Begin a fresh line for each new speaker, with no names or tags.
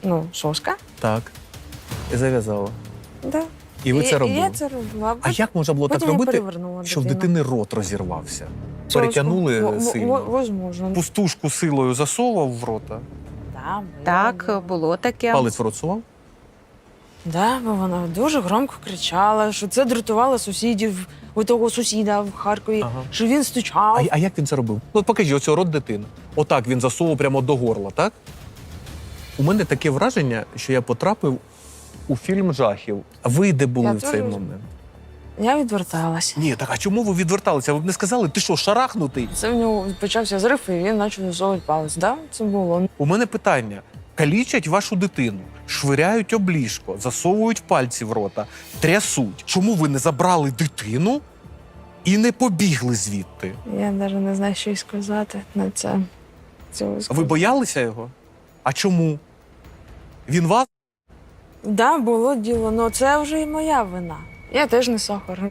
соска.
Так. І зав'язала.
Да.
І ви це
І
робили?
я це робила.
А як можна було так
потім я
робити,
перевернула
що в
дитину.
дитини рот розірвався?
Соску.
Перетягнули сильно?
Возможно.
Пустушку силою засовував в рота?
Да, було.
Так, було таке.
Палець в рот сував?
Да, бо вона дуже громко кричала, що це дратувало сусідів, у того сусіда в Харкові,
Ага.
що він стучав.
А як він це робив? Ну, покажіть, оцього рот дитини. Отак він засовував прямо до горла, так? У мене таке враження, що я потрапив у фільм жахів. А ви де були
Я
в цей
теж.
момент?
Я відверталася.
Ні, так а чому ви відверталися? Ви б не сказали, ти що, шарахнутий?
Це в нього почався зрив, і він почав засовувати палець. Да? Це було.
У мене питання. Калічать вашу дитину, швиряють об ліжко, засовують пальці в рота, трясуть. Чому ви не забрали дитину і не побігли звідти?
Я навіть не знаю, що й сказати на це.
Ви боялися його? А чому? Він вас?
Да, було діло, але це вже і моя вина. Я теж не сахар.